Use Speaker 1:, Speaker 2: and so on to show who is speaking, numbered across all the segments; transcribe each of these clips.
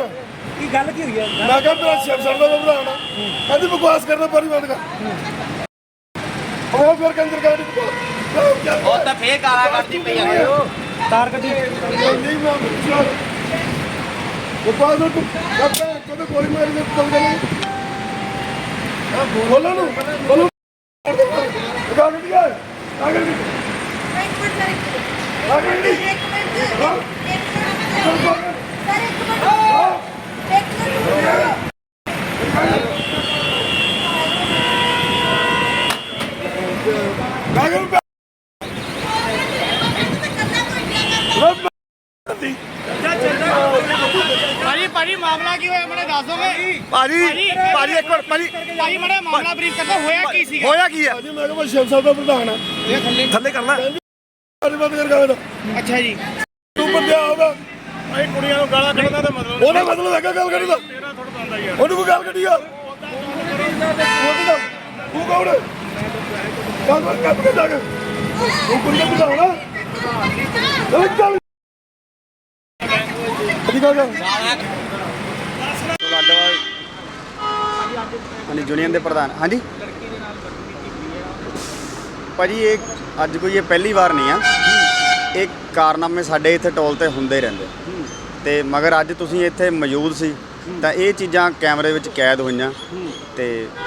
Speaker 1: ਕੀ ਗੱਲ ਕੀ ਹੋਈ ਹੈ?
Speaker 2: ਮੈਂ ਕਿਹਾ ਮੇਰਾ ਸ਼ਿਵ ਸਰ ਦਾ ਭਰਾ ਨਾ ਕਹਿੰਦੀ ਬਕਵਾਸ ਕਰਨਾ ਪਾਰੀ ਬੰਦ ਕਰ ਉਹ ਫਿਰ ਕੰਦਰ ਕਰ
Speaker 3: ਉਹ ਤਾਂ ਫੇਰ ਗਾਲਾਂ ਕੱਢਦੀ ਪਈ ਆ
Speaker 1: ਤਾਰ ਕੱਢੀ
Speaker 2: ਨਹੀਂ ਮੈਂ ਬਕਵਾਸ ਨੂੰ ਕਦੇ ਗੋਲੀ ਮਾਰੀ ਦੇ ਚੱਲ ਗਏ ਬੋਲੋ ਨੂੰ ਬੋਲੋ ਗੱਲ ਨਹੀਂ ਹੈ ਆਗੇ
Speaker 4: एक मिनट
Speaker 2: आगे नहीं।
Speaker 4: एक मिनट
Speaker 2: हाँ?
Speaker 4: सर एक मिनट
Speaker 3: ਭਾਜੀ ਮਾਮਲਾ ਕੀ ਹੋਇਆ ਮੈਨੂੰ ਦੱਸ ਦੋਗੇ?
Speaker 2: ਭਾਜੀ ਇੱਕ ਮਿੰਟ
Speaker 3: ਭਾਜੀ ਮੜਾ ਮਾਮਲਾ ਬਰੀਫ ਕਰਦਾ ਹੋਇਆ ਕੀ ਸੀਗਾ?
Speaker 2: ਹੋਇਆ ਕੀ ਹੈ? ਮੈਂ ਕਿਹਾ ਮੈਂ ਸ਼ਿਵ ਸਾਹਿਬ ਦਾ ਪ੍ਰਧਾਨ ਆ ਥੱਲੇ ਕਰਨਾ ਬੰਦ ਕਰ ਗਾ
Speaker 3: ਅੱਛਾ ਜੀ
Speaker 2: ਤੂੰ ਬੰਦਿਆ ਹੋਗਾ
Speaker 1: ਭਾਈ ਕੁੜੀਆਂ ਨੂੰ ਗਾਲਾਂ ਕੱਢਦਾ ਤਾਂ ਮਤਲਬ
Speaker 2: ਉਹਦਾ ਮਤਲਬ ਹੈਗਾ ਗੱਲ ਕਰੀ ਦਾ
Speaker 1: ਤੇਰਾ ਥੋੜਾ ਬੰਦਾ ਯਾਰ
Speaker 2: ਉਹਨੂੰ ਕੋਈ ਗੱਲ ਕੱਢੀ ਆ ਤੂੰ ਕੌਣ ਹੈ ਗੱਲ ਕਰ ਕੇ ਜਾ ਕੇ ਤੂੰ ਕੁੜੀ ਦਾ ਪ੍ਰਧਾਨ ਆ ਚੱਲ
Speaker 5: ਲਾਡੋਵਾਲ ਹਾਂਜੀ ਯੂਨੀਅਨ ਦੇ ਪ੍ਰਧਾਨ ਹਾਂਜੀ ਭਾਜੀ ਇਹ ਅੱਜ ਕੋਈ ਇਹ ਪਹਿਲੀ ਵਾਰ ਨਹੀਂ ਆ ਇਹ ਕਾਰਨਾਮੇ ਸਾਡੇ ਇੱਥੇ ਟੋਲ ਤੇ ਹੁੰਦੇ ਰਹਿੰਦੇ ਤੇ ਮਗਰ ਅੱਜ ਤੁਸੀਂ ਇੱਥੇ ਮੌਜੂਦ ਸੀ ਤਾਂ ਇਹ ਚੀਜ਼ਾਂ ਕੈਮਰੇ ਵਿੱਚ ਕੈਦ ਹੋਈਆਂ ਤੇ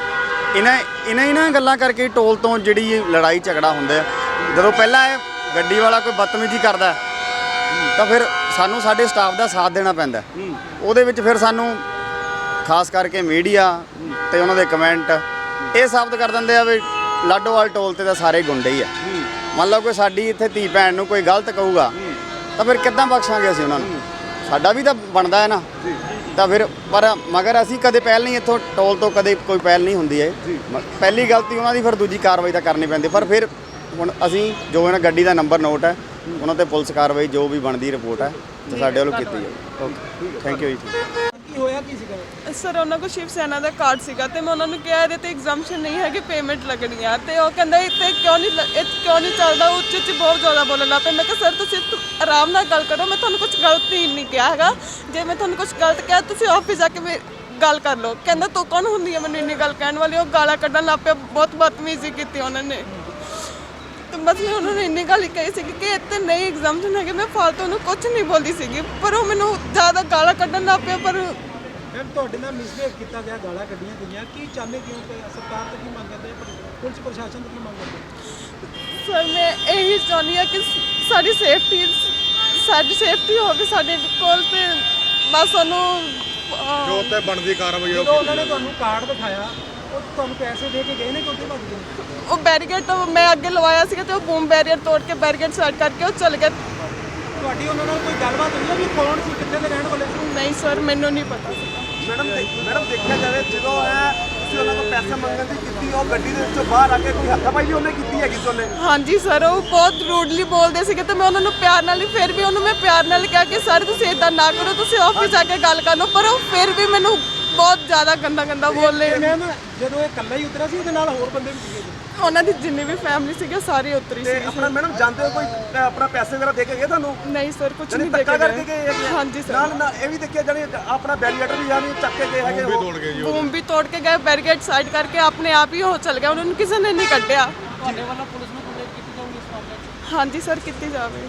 Speaker 5: ਇਹਨਾਂ ਗੱਲਾਂ ਕਰਕੇ ਟੋਲ ਤੋਂ ਜਿਹੜੀ ਲੜਾਈ ਝਗੜਾ ਹੁੰਦਾ ਜਦੋਂ ਪਹਿਲਾਂ ਇਹ ਗੱਡੀ ਵਾਲਾ ਕੋਈ ਬਦਤਮੀਜ਼ੀ ਕਰਦਾ ਤਾਂ ਫਿਰ ਸਾਨੂੰ ਸਾਡੇ ਸਟਾਫ ਦਾ ਸਾਥ ਦੇਣਾ ਪੈਂਦਾ ਉਹਦੇ ਵਿੱਚ ਫਿਰ ਸਾਨੂੰ ਖਾਸ ਕਰਕੇ ਮੀਡੀਆ ਤੇ ਉਹਨਾਂ ਦੇ ਕਮੈਂਟ ਇਹ ਸਾਬਤ ਕਰ ਦਿੰਦੇ ਆ ਵੀ ਲਾਡੋਵਾਲ ਟੋਲ ਤੇ ਤਾਂ ਸਾਰੇ ਗੁੰਡੇ ਹੀ ਆ ਮੰਨ ਲਓ ਕੋਈ ਸਾਡੀ ਇੱਥੇ ਧੀ ਭੈਣ ਨੂੰ ਕੋਈ ਗਲਤ ਕਹੂਗਾ ਤਾਂ ਫਿਰ ਕਿੱਦਾਂ ਬਖਸ਼ਾਂਗੇ ਅਸੀਂ ਉਹਨਾਂ ਨੂੰ ਸਾਡਾ ਵੀ ਤਾਂ ਬਣਦਾ ਹੈ ਨਾ ਤਾਂ ਫਿਰ ਪਰ ਮਗਰ ਅਸੀਂ ਕਦੇ ਪਹਿਲ ਨਹੀਂ ਇੱਥੋਂ ਟੋਲ ਤੋਂ ਕਦੇ ਕੋਈ ਪਹਿਲ ਨਹੀਂ ਹੁੰਦੀ ਹੈ ਪਹਿਲੀ ਗਲਤੀ ਉਹਨਾਂ ਦੀ ਫਿਰ ਦੂਜੀ ਕਾਰਵਾਈ ਤਾਂ ਕਰਨੀ ਪੈਂਦੀ ਪਰ ਫਿਰ ਹੁਣ ਅਸੀਂ ਜੋ ਇਹਨਾਂ ਗੱਡੀ ਦਾ ਨੰਬਰ ਨੋਟ ਹੈ ਉਹਨਾਂ ਤੇ ਪੁਲਿਸ ਕਾਰਵਾਈ ਜੋ ਵੀ ਬਣਦੀ ਰਿਪੋਰਟ ਹੈ ਤੇ ਸਾਡੇ ਵੱਲੋਂ ਕੀਤੀ ਜਾਊਗੀ ਓਕੇ ਥੈਂਕ ਯੂ ਜੀ
Speaker 1: ਕੀ ਹੋਇਆ ਕੀ ਸੀਗਾ?
Speaker 6: ਸਰ ਉਹਨਾਂ ਕੋਲ ਸ਼ਿਵ ਸੈਨਾ ਦਾ ਕਾਰਡ ਸੀਗਾ ਤੇ ਮੈਂ ਉਹਨਾਂ ਨੂੰ ਕਿਹਾ ਇਹਦੇ ਤੇ ਐਗਜ਼ਾਮਸ਼ਨ ਨਹੀਂ ਹੈ ਕਿ ਪੇਮੈਂਟ ਲੱਗਣੀ ਆ ਤੇ ਉਹ ਕਹਿੰਦਾ ਇੱਥੇ ਕਿਉਂ ਨਹੀਂ ਚੱਲਦਾ ਉੱਚ ਬਹੁਤ ਜ਼ਿਆਦਾ ਬੋਲਣ ਲੱਗ ਪਏ ਮੈਂ ਕਿਹਾ ਸਰ ਤੁਸੀਂ ਆਰਾਮ ਨਾਲ ਗੱਲ ਕਰੋ ਮੈਂ ਤੁਹਾਨੂੰ ਕੁਝ ਗਲਤ ਹੀ ਨਹੀਂ ਕਿਹਾ ਹੈਗਾ ਜੇ ਮੈਂ ਤੁਹਾਨੂੰ ਕੁਝ ਗਲਤ ਕਿਹਾ ਤੁਸੀਂ ਆਫਿਸ ਜਾ ਕੇ ਗੱਲ ਕਰ ਲਓ ਕਹਿੰਦਾ ਤੂੰ ਕੌਣ ਹੁੰਦੀ ਹੈ ਮੈਨੂੰ ਇੰਨੀ ਗੱਲ ਕਹਿਣ ਵਾਲੀ ਉਹ ਗਾਲਾਂ ਕੱਢਣ ਲੱਗ ਪਿਆ ਬਹੁਤ ਬਦਤਮੀਜ਼ੀ ਕੀਤੀ ਉਹਨਾਂ ਨੇ ਤੇ ਬਸ ਮੈਂ ਉਹਨਾਂ ਨੂੰ ਇੰਨੀ ਗੱਲ ਹੀ ਕਹੀ ਸੀ ਕਿ ਇੱਥੇ ਨਹੀਂ ਐਗਜ਼ਾਮਸ਼ਨ ਹੈਗੇ ਮੈਂ ਫਾਲਤੂ ਨੂੰ ਕੁਝ ਨਹੀਂ ਬੋਲਦੀ ਸੀਗੀ ਪਰ ਉਹ ਮੈਨੂੰ ਜ਼ਿਆਦਾ ਗਾਲਾਂ ਕੱਢਣ ਲੱਗ ਪਿਆ ਪਰ
Speaker 1: ਮੈਮ ਤੁਹਾਡੇ ਨਾਲ ਮਿਸਬਿਹੇਵ ਕੀਤਾ ਗਿਆ ਗਾਲਾਂ ਕੱਢੀਆਂ ਗਈਆਂ ਕੀ ਚਾਹੁੰਦੇ ਕਿਉਂ ਕਿ ਸਰਕਾਰ ਤੋਂ ਕੀ ਮੰਗ ਕਰਦੇ ਪੁਲਿਸ ਪ੍ਰਸ਼ਾਸਨ ਤੋਂ ਕੀ ਮੰਗ ਕਰਦੇ?
Speaker 6: ਸਰ ਮੈਂ ਇਹੀ ਚਾਹੁੰਦੀ ਹਾਂ ਕਿ ਸਾਡੀ ਸੇਫਟੀ ਹੋਵੇ ਸਾਡੇ ਕੋਲ ਤੇ ਬਸ ਉਹਨੂੰ
Speaker 2: ਜੋ ਤੇ ਬਣਦੀ ਕਾਰਵਾਈ
Speaker 1: ਜਦੋਂ ਉਹਨਾਂ ਨੇ ਤੁਹਾਨੂੰ ਕਾਰਡ ਦਿਖਾਇਆ ਉਹ ਤੁਹਾਨੂੰ ਪੈਸੇ ਦੇ ਕੇ ਗਏ ਨੇ ਕਿ ਉੱਥੇ ਭੱਜ ਗਏ?
Speaker 6: ਉਹ ਬੈਰੀਕੇਡ ਮੈਂ ਅੱਗੇ ਲਵਾਇਆ ਸੀਗਾ ਤੇ ਉਹ ਬੂਮ ਬੈਰੀਅਰ ਤੋੜ ਕੇ ਬੈਰੀਕੇਡ ਸਾਈਡ ਕਰਕੇ ਉਹ ਚਲ ਗਿਆ
Speaker 1: ਤੁਹਾਡੀ ਉਹਨਾਂ ਨਾਲ ਕੋਈ ਗੱਲਬਾਤ ਹੋਈ ਹੈ ਵੀ ਕੌਣ ਸੀ ਕਿੱਥੇ ਦੇ ਰਹਿਣ ਵਾਲੇ ਸੀ?
Speaker 6: ਨਹੀਂ ਸਰ ਮੈਨੂੰ ਨਹੀਂ ਪਤਾ ਸੀਗਾ
Speaker 7: ਮੈਡਮ ਦੇਖਿਆ ਜਾਵੇ ਜਦੋਂ ਤੁਸੀਂ ਉਹਨਾਂ ਕੋਲ ਪੈਸੇ ਮੰਗਣ ਦੀ ਕੀਤੀ ਉਹ ਗੱਡੀ ਦੇ ਵਿੱਚੋਂ ਬਾਹਰ ਆ ਕੇ ਕੋਈ ਹੱਥਾਪਾਈ ਵੀ ਉਹਨੇ ਕੀਤੀ ਹੈਗੀ ਸੀ ਉਹਨੇ?
Speaker 6: ਹਾਂਜੀ ਸਰ ਉਹ ਬਹੁਤ ਰੂਡਲੀ ਬੋਲਦੇ ਸੀਗੇ ਤੇ ਮੈਂ ਉਹਨਾਂ ਨੂੰ ਪਿਆਰ ਨਾਲ ਹੀ ਫਿਰ ਵੀ ਉਹਨੂੰ ਮੈਂ ਪਿਆਰ ਨਾਲ ਕਿਹਾ ਕਿ ਸਰ ਤੁਸੀਂ ਇਦਾਂ ਨਾ ਕਰੋ ਤੁਸੀਂ ਆਫਿਸ ਜਾ ਕੇ ਗੱਲ ਕਰ ਲਓ ਪਰ ਉਹ ਫਿਰ ਵੀ ਮੈਨੂੰ ਬਹੁਤ ਜ਼ਿਆਦਾ ਗੰਦਾ ਬੋਲੇ
Speaker 1: ਮੈਮ ਜਦੋਂ ਇਹ ਇਕੱਲਾ ਹੀ ਉਤਰਿਆ ਸੀ ਉਹਦੇ ਨਾਲ ਹੋਰ ਬੰਦੇ ਵੀ ਸੀਗੇ ਜੀ?
Speaker 6: ਉਹਨਾਂ ਦੀ ਜਿੰਨੀ ਵੀ ਫੈਮਿਲੀ ਸੀਗੇ ਸਾਰੇ ਉਤਰੀ
Speaker 7: ਤੇ
Speaker 6: ਸੀ
Speaker 7: ਆਪਣਾ ਮੈਡਮ ਜਾਂਦੇ ਹੋ ਕੋਈ ਆਪਣਾ ਪੈਸੇ ਵਗੈਰਾ ਦੇ ਕੇ ਗਏ ਤੁਹਾਨੂੰ?
Speaker 6: ਨਹੀਂ ਸਰ ਕੁਝ
Speaker 7: ਜਾਨੀ
Speaker 6: ਨਹੀਂ ਦੇ
Speaker 7: ਧੱਕਾ
Speaker 6: ਕੇ
Speaker 7: ਕਰਕੇ ਗਏ ਹੈਗੇ?
Speaker 6: ਹਾਂਜੀ ਸਰ
Speaker 7: ਨਾਲ ਇਹ ਵੀ ਦੇਖਿਆ ਜਾਨੀ ਆਪਣਾ ਬੈਰੀਏਟਰ ਵੀ ਜਾਨੀ ਚੱਕ ਕੇ ਗਏ ਹੈਗੇ ਉਹ
Speaker 6: ਬੂਮ ਵੀ ਤੋੜ ਕੇ ਗਏ ਬੈਰੀਕੇਡ ਸਾਈਡ ਕਰਕੇ ਆਪਣੇ ਆਪ ਹੀ ਉਹ ਚਲ ਗਿਆ ਉਹਨਾਂ ਨੂੰ ਕਿਸੇ ਨੇ ਨਹੀਂ ਕੱਢਿਆ
Speaker 1: ਤੁਹਾਡੇ ਵੱਲੋਂ ਪੁਲਿਸ ਨੂੰ ਕੰਪਲੇਂਟ ਕੀਤੀ ਜਾਊਗੀ ਇਸ ਮਾਮਲੇ 'ਚ?
Speaker 6: ਹਾਂਜੀ ਸਰ ਕੀਤੀ ਜਾਵੇ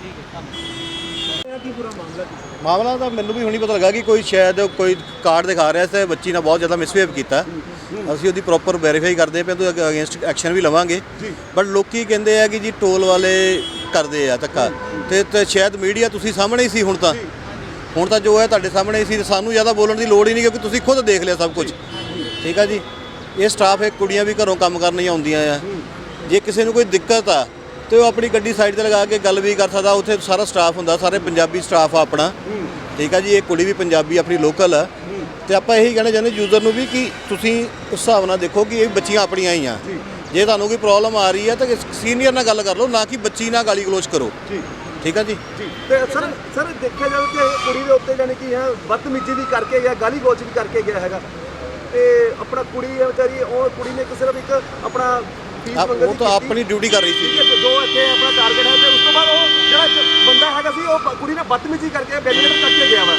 Speaker 1: ਕੀ ਪੂਰਾ ਮਾਮਲਾ ਕੀ ਸੀ?
Speaker 8: ਮਾਮਲਾ ਤਾਂ ਮੈਨੂੰ ਵੀ ਹੁਣੀ ਪਤਾ ਲੱਗਾ ਕਿ ਕੋਈ ਸ਼ਾਇਦ ਕੋਈ ਕਾਰਡ ਦਿਖਾ ਰਿਹਾ ਸੀ ਬੱਚੀ ਨਾਲ ਬਹੁਤ ਜ਼ਿਆਦਾ ਮਿਸਬਿਹੇਵ ਕੀਤਾ ਅਸੀਂ ਉਹਦੀ ਪ੍ਰੋਪਰ ਵੈਰੀਫਾਈ ਕਰਦੇ ਪਏ ਤੇ ਅਗੇਂਸਟ ਐਕਸ਼ਨ ਵੀ ਲਵਾਂਗੇ ਬਟ ਲੋਕੀ ਕਹਿੰਦੇ ਆ ਕਿ ਜੀ ਟੋਲ ਵਾਲੇ ਕਰਦੇ ਆ ਧੱਕਾ ਤੇ ਸ਼ਾਇਦ ਮੀਡੀਆ ਤੁਸੀਂ ਸਾਹਮਣੇ ਹੀ ਸੀ ਹੁਣ ਤਾਂ ਜੋ ਹੈ ਤੁਹਾਡੇ ਸਾਹਮਣੇ ਹੀ ਸੀ ਸਾਨੂੰ ਜ਼ਿਆਦਾ ਬੋਲਣ ਦੀ ਲੋੜ ਹੀ ਨਹੀਂ ਕਿਉਂਕਿ ਤੁਸੀਂ ਖੁਦ ਦੇਖ ਲਿਆ ਸਭ ਕੁਝ ਠੀਕ ਆ ਜੀ ਇਹ ਸਟਾਫ ਹੈ ਕੁੜੀਆਂ ਵੀ ਘਰੋਂ ਕੰਮ ਕਰਨ ਹੀ ਆਉਂਦੀਆਂ ਆ ਜੇ ਕਿਸੇ ਨੂੰ ਕੋਈ ਦਿੱਕਤ ਆ ਤੇ ਉਹ ਆਪਣੀ ਗੱਡੀ ਸਾਈਡ ਤੇ ਲਗਾ ਕੇ ਗੱਲ ਵੀ ਕਰ ਸਕਦਾ ਉੱਥੇ ਸਾਰਾ ਸਟਾਫ ਹੁੰਦਾ ਸਾਰੇ ਪੰਜਾਬੀ ਸਟਾਫ ਆ ਆਪਣਾ ਠੀਕ ਆ ਜੀ ਇਹ ਕੁੜੀ ਵੀ ਪੰਜਾਬੀ ਆਪਣੀ ਲੋਕਲ ਆ ਤੇ ਆਪਾਂ ਇਹੀ ਕਹਿਣਾ ਚਾਹੁੰਦੇ ਯੂਜ਼ਰ ਨੂੰ ਵੀ ਕਿ ਤੁਸੀਂ ਉਸ ਹਿਸਾਬ ਨਾਲ ਦੇਖੋ ਕਿ ਇਹ ਬੱਚੀਆਂ ਆਪਣੀਆਂ ਹੀ ਆ ਜੇ ਤੁਹਾਨੂੰ ਕੋਈ ਪ੍ਰੋਬਲਮ ਆ ਰਹੀ ਹੈ ਤਾਂ ਸੀਨੀਅਰ ਨਾਲ ਗੱਲ ਕਰ ਲਓ ਨਾ ਕਿ ਬੱਚੀ ਨਾਲ ਗਾਲੀ ਗਲੋਚ ਕਰੋ ਠੀਕ ਆ ਜੀ
Speaker 7: ਤੇ ਸਰ ਦੇਖਿਆ ਜਾਵੇ ਕਿ ਕੁੜੀ ਦੇ ਉੱਤੇ ਜਾਨੀ ਕਿ ਬਦਤਮੀਜ਼ੀ ਵੀ ਕਰਕੇ ਗਿਆ ਗਾਲੀ ਗਲੋਚ ਵੀ ਕਰਕੇ ਗਿਆ ਹੈਗਾ ਤੇ ਆਪਣਾ ਕੁੜੀ ਹੈ ਵਿਚਾਰੀ ਉਹ ਕੁੜੀ ਨੇ ਸਿਰਫ ਇੱਕ ਆਪਣਾ
Speaker 8: ਉਹ ਤਾਂ ਆਪਣੀ ਡਿਊਟੀ ਕਰ ਰਹੀ ਸੀ
Speaker 7: ਜੋ ਇੱਥੇ ਆਪਣਾ ਟਾਰਗੇਟ ਹੈ ਤੇ ਉਸ ਤੋਂ ਬਾਅਦ ਉਹ ਜਿਹੜਾ ਬੰਦਾ ਹੈਗਾ ਸੀ ਉਹ ਕੁੜੀ ਨੇ ਬਦਤਮੀਜ਼ੀ ਕਰਕੇ ਬੈਰੀਕੇਡ ਕੱਟ ਕੇ ਗਿਆ ਵਾ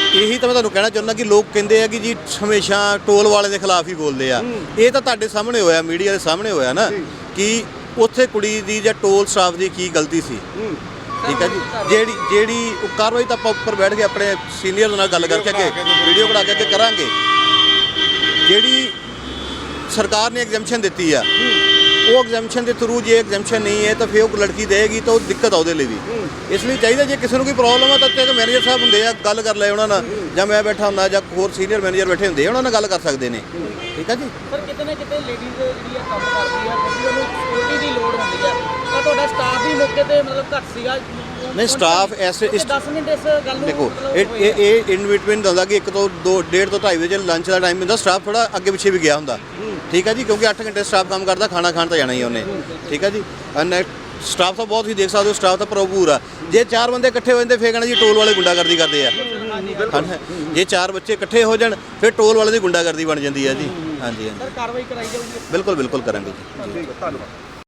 Speaker 8: ਇਹੀ ਤਾਂ ਮੈਂ ਤੁਹਾਨੂੰ ਕਹਿਣਾ ਚਾਹੁੰਦਾ ਕਿ ਲੋਕ ਕਹਿੰਦੇ ਆ ਕਿ ਜੀ ਹਮੇਸ਼ਾ ਟੋਲ ਵਾਲੇ ਦੇ ਖਿਲਾਫ ਹੀ ਬੋਲਦੇ ਆ। ਇਹ ਤਾਂ ਤੁਹਾਡੇ ਸਾਹਮਣੇ ਹੋਇਆ, ਮੀਡੀਆ ਦੇ ਸਾਹਮਣੇ ਹੋਇਆ ਨਾ ਕਿ ਉੱਥੇ ਕੁੜੀ ਦੀ ਜਾਂ ਟੋਲ ਸਟਾਫ ਦੀ ਕੀ ਗਲਤੀ ਸੀ। ਠੀਕ ਹੈ ਜੀ, ਜਿਹੜੀ ਉਹ ਕਾਰਵਾਈ ਤਾਂ ਆਪਾਂ ਉੱਪਰ ਬੈਠ ਕੇ ਆਪਣੇ ਸੀਨੀਅਰ ਨਾਲ ਗੱਲ ਕਰਕੇ ਅੱਗੇ ਵੀਡੀਓ ਬਣਾ ਕੇ ਅੱਗੇ ਕਰਾਂਗੇ। ਜਿਹੜੀ ਸਰਕਾਰ ਨੇ ਐਗਜ਼ੈਂਪਸ਼ਨ ਦਿੱਤੀ ਆ, ਉਹ ਐਗਜ਼ੈਂਪਸ਼ਨ ਦੇ ਥਰੂ ਜੇ ਐਗਜ਼ੈਂਪਸ਼ਨ ਨਹੀਂ ਹੈ ਤਾਂ ਫਿਰ ਉਹ ਲੜਕੀ ਦੇਗੀ ਤਾਂ ਉਹ ਦਿੱਕਤ ਆ ਉਹਦੇ ਲਈ ਵੀ। ਇਸ ਲਈ ਚਾਹੀਦਾ ਜੇ ਕਿਸੇ ਨੂੰ ਕੋਈ ਪ੍ਰੋਬਲਮ ਆ ਤਾਂ ਉੱਤੇ ਮੈਨੇਜਰ ਸਾਹਿਬ ਹੁੰਦੇ ਆ, ਗੱਲ ਕਰ ਲੈ ਉਹਨਾਂ ਨਾਲ, ਜਾਂ ਮੈਂ ਬੈਠਾ ਹੁੰਦਾ ਜਾਂ ਹੋਰ ਸੀਨੀਅਰ ਮੈਨੇਜਰ ਬੈਠੇ ਹੁੰਦੇ ਆ, ਉਹਨਾਂ ਨਾਲ ਗੱਲ ਕਰ ਸਕਦੇ ਨੇ। ਠੀਕ ਹੈ ਜੀ।
Speaker 3: ਸਰ ਕਿਤੇ ਨਾ ਕਿਤੇ ਲੇਡੀਜ਼ ਜਿਹੜੀ ਆ ਕੰਮ ਕਰਦੀ ਆ ਕਿਉਂਕਿ ਉਹਨੂੰ ਸਿਕਿਉਰਿਟੀ ਦੀ ਲੋੜ ਹੁੰਦੀ ਆ, ਤਾਂ ਤੁਹਾਡਾ ਸਟਾਫ ਵੀ ਮੌਕੇ ਤੇ ਮਤਲਬ ਘੱਟ ਸੀਗਾ?
Speaker 8: ਨਹੀਂ, ਸਟਾਫ ਐਸੇ
Speaker 3: 10 ਮਿੰਟ ਇਸ ਗੱਲ ਨੂੰ
Speaker 8: ਦੇਖੋ ਇਹ ਇਨ ਬਿਟਵੀਨ ਹੁੰਦਾ ਕਿ 1 ਤੋਂ 2 1.5 ਤੋਂ 2.5 ਵਜੇ ਲੰਚ ਦਾ ਟਾਈਮ ਹੁੰਦਾ, ਸਟਾਫ ਥੋੜਾ ਅੱਗੇ ਪਿੱਛੇ ਵੀ ਗਿਆ ਹੁੰਦਾ। ਠੀਕ ਹੈ ਜੀ, ਕਿਉਂਕਿ 8 ਘੰਟੇ ਸਟਾਫ ਕੰਮ ਕਰਦਾ, ਖਾਣਾ ਖਾਣ ਤਾਂ ਜਾਣਾ ਹੀ ਉਹਨੇ। ਠੀਕ ਹੈ ਜੀ, ਸਟਾਫ ਤਾਂ ਬਹੁਤ ਹੀ ਦੇਖ ਸਕਦੇ ਹੋ, ਸਟਾਫ ਤਾਂ ਭਰਪੂਰ ਆ। ਜੇ 4 ਬੰਦੇ ਇਕੱਠੇ ਹੋ ਜਾਂਦੇ ਫੇਰ ਕਹਿਣਾ ਜੀ ਟੋਲ ਵਾਲੇ ਗੁੰਡਾਗਰਦੀ ਕਰਦੇ ਆ। ਜੇ 4 ਬੱਚੇ ਇਕੱਠੇ ਹੋ ਜਾਣ ਫਿਰ ਟੋਲ ਵਾਲੇ ਦੀ ਗੁੰਡਾਗਰਦੀ ਬਣ ਜਾਂਦੀ ਆ ਜੀ। ਹਾਂਜੀ ਹਾਂਜੀ,
Speaker 3: ਸਰ ਕਾਰਵਾਈ ਕਰਾਈ ਜਾਊਗੀ?
Speaker 8: ਬਿਲਕੁਲ ਬਿਲਕੁਲ ਕਰਾਂਗੇ ਜੀ।
Speaker 7: ਧੰਨਵਾਦ।